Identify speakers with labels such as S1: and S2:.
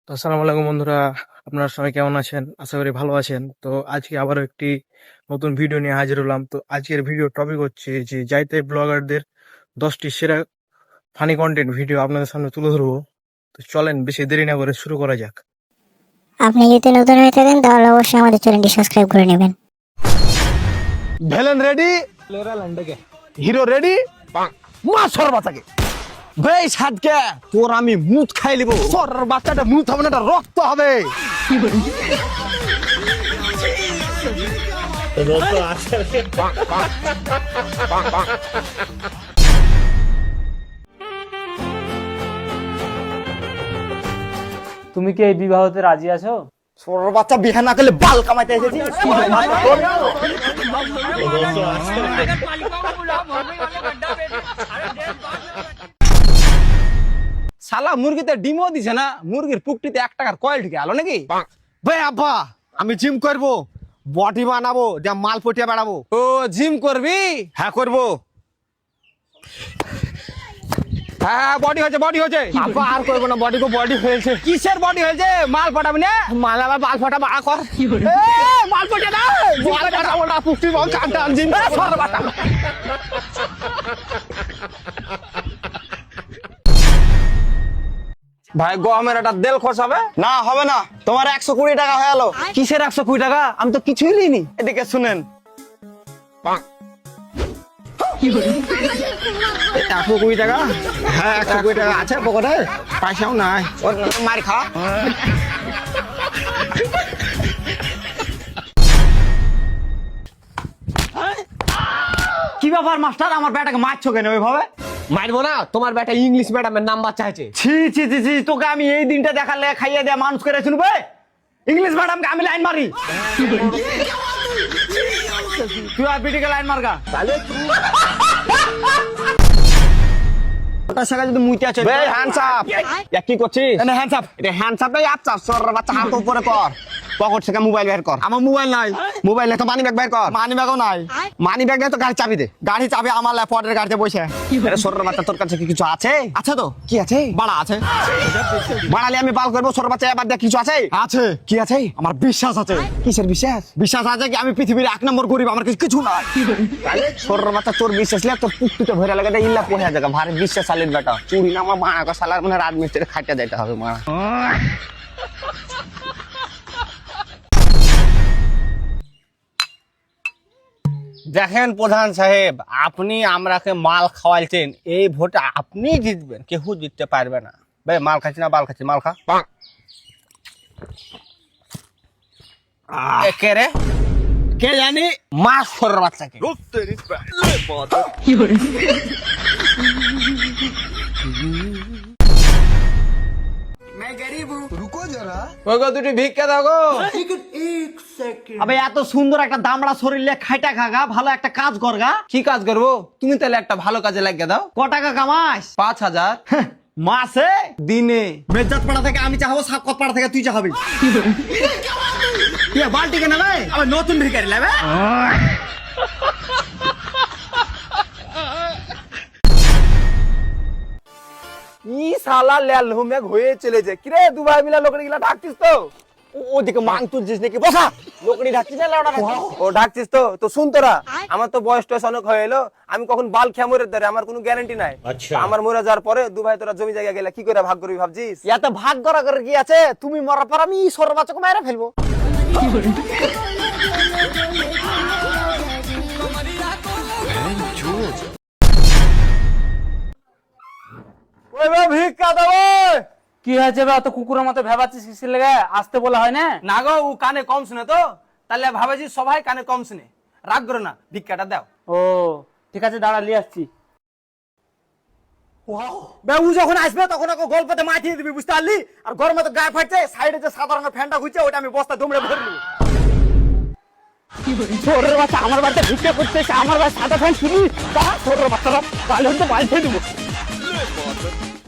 S1: তো আসসালামু আলাইকুম বন্ধুরা, আপনারা সবাই কেমন আছেন? আশা করি ভালো আছেন। তো আজকে আবারও একটি নতুন ভিডিও নিয়ে হাজির হলাম। তো আজকের ভিডিও টপিক হচ্ছে যে যাইতে ব্লগারদের 10টি সেরা ফানি কন্টেন্ট ভিডিও আপনাদের সামনে তুলে ধরবো। তো চলেন বেশি দেরি না করে শুরু করা যাক।
S2: আপনি যদি নতুন হয়ে থাকেন তাহলে অবশ্যই আমাদের চ্যানেলটি সাবস্ক্রাইব করে নেবেন।
S3: ভেলেন রেডি, হিরো রেডি, মা সর বাচ্চাকে বেই সাদকে তোর আমি মুত খাই লিব। সর বাচ্চাটা মুত হবে না, রক্ত হবে।
S4: তুমি কি এই বিবাহতে রাজি আছো?
S3: সর বাচ্চা বিহা না করলে বাল কামাইতে এসেছি। শালা মুরগিতে ডিমও দিছে না, মুরগির পুকটিতে 1 টাকার কয়েল ঢুকে আলো নাকি? ভাই আব্বা আমি জিম করব, বডি বানাবো, যা মাল পটিয়া বাড়াবো। ও জিম করবি? হ্যাঁ করব। হ্যাঁ বডি হয়েছে, বডি হয়েছে। আব্বা আর করবো না, বডি বডি হয়েছে। কিসের বডি হয়েছে? মাল ফাটাবি না? মাল আবার বাল ফাটা বা কর। মাল ফটে না, মাল ফাটাবো না, পুষ্টি বল কাটা জিম সর বাটা। ভাই গমের একটা দেল খরচ হবে না? হবে না, তোমার 120 টাকা হয়ে গেল। কিসের 120 টাকা? আমি তো কিছুই লিনি। এদিকে শুনেন, 120 টাকা। হ্যাঁ 120 টাকা আছে পকেটে, পয়সাও নাই। মার খা। কি ব্যাপার মাস্টার, আমার বেটাকে মারছো কেন ওইভাবে?
S5: মারবো না, তোমার বেটা ইংলিশ ম্যাডামের নাম্বার চাইছে।
S3: ছি ছি ছি ছি, তোকে আমি এই দিনটা দেখালে খাইয়ে দেয়া মানুষ করে শুনবে? ইংলিশ ম্যাডামকে আমি লাইন মারি? তুই আর পিটিকে লাইন মারগা তাহলে ওটা শাখা যদি মুইতে আছে। বে হ্যান্ডস আপ। কি করছিস? এনে হ্যান্ডস আপ। এটা হ্যান্ডস আপ নাই, আচ্ছা সর বাচ্চা হাত উপরে কর। পকেট থেকে মোবাইল বের কর। আমার মোবাইল নাই। মোবাইল নাই তো মানি ব্যাগ বের কর। মানি ব্যাগও নাই। মানি ব্যাগ নাই তো গাড়ি চাবি দে। গাড়ি চাবি আমার ল্যাপটপের গাড়িতে বসে। আরে সর বাচ্চা, তোর কাছে কি কিছু আছে? আছে তো। কি আছে? বাড়া আছে। বাড়ালে আমি বাল করবো। সর বাচ্চা এবার দেখ কিছু আছে? আছে। কি আছে? আমার বিশ্বাস আছে। কিসের বিশ্বাস? বিশ্বাস আছে কি আমি পৃথিবীর 1 নম্বর গরিব, আমার কিছু নাই। তাহলে সর বাচ্চা তোর বিশ্বাস লে তোর পুকুরটা ভরে লাগে দে, ইল্লা পোয়া জায়গা ভারী বিশ্বাস আলির বেটা। চুরি না আমার মারা কা সালার মানে রাত মিস্ত্রি খাইতে যাইতে হবে মারা। দেখেন প্রধান সাহেব, আপনি আমরাকে মাল খাওয়াইছেন, এই ভোটে আপনি জিতবেন, কেউ জিততে পারবে না। ভাই মাল খাচ্ছি না বাল খাচ্ছি, মাল খা। কে রে? কে জানি? মাছ সরের বাচ্চাকে। দুটি ভিক্ষা দাও গো। আবে এত সুন্দর একটা দামড়া শরীরে খাইটা খাগা, ভালো একটা কাজ করগা। কি কাজ করবো? তুমি তাহলে একটা ভালো কাজে লাগিয়ে দাও। ক টাকা কামাস? 5000 মাসে? দিনে? মেজাত পাড়া থেকে আমি চাহাবো, সাকত পাড়া থেকে তুই চাহাবি। বালটি কেন ভাই? আবার নতুন ভিখারি লাগবে। কি শালা লেল হুমে হয়ে চলেছে। কি রে দুবাই মিলা লোকড়ি গিলা ঢাকছিস তো? ওদিকে মাং তুলছিস নাকি? বসা। লোকড়ি ঢাকছিস না লাউডা ঢাকছিস? ও ঢাকছিস তো। তো শুন তোরা, আমার তো বয়স টয়স অনেক হয়ে এলো, আমি কখন বাল খেয়া মরে ধরে আমার কোনো গ্যারান্টি নাই। আমার মরে যাওয়ার পরে দুবাই তোরা জমি জায়গা গেলে কি করে ভাগ করবি ভাবছিস? এত ভাগ করা করে কি আছে? তুমি মরার পর আমি সর বাচ্চাকে মেরে ফেলবো। ভিক্ষা দেবো।
S4: কি হয়েছে বে? অত কুকুরের মতো ভেবাচ্ছিস কিসের লেগে? আসতে বলা হয় না?
S5: না গো, ও কানে কম শুনে তো, তাহলে ভাবেছি সবাই কানে কম শুনে। রাগ করো না, ভিক্ষাটা দাও।
S4: ও ঠিক আছে, দাঁড়া নিয়ে আসছি।
S3: ও যখন আসবে তখন ওকে গল্পতে মাঠিয়ে দিবি, বুঝতে পারলি? আর গরমে তো গায়ে ফাটছে, সাইডে যে সাদা রঙের ফ্যানটা ঘুরছে ওটা আমি বস্তা দুমড়ে ভরলি। ছোটের বাচ্চা আমার বাড়িতে ভিক্ষা করতে, আমার বাড়ি সাদা ফ্যান শুনি, ছোটের বাচ্চারা তাহলে হয়তো বাড়িতে দেবো।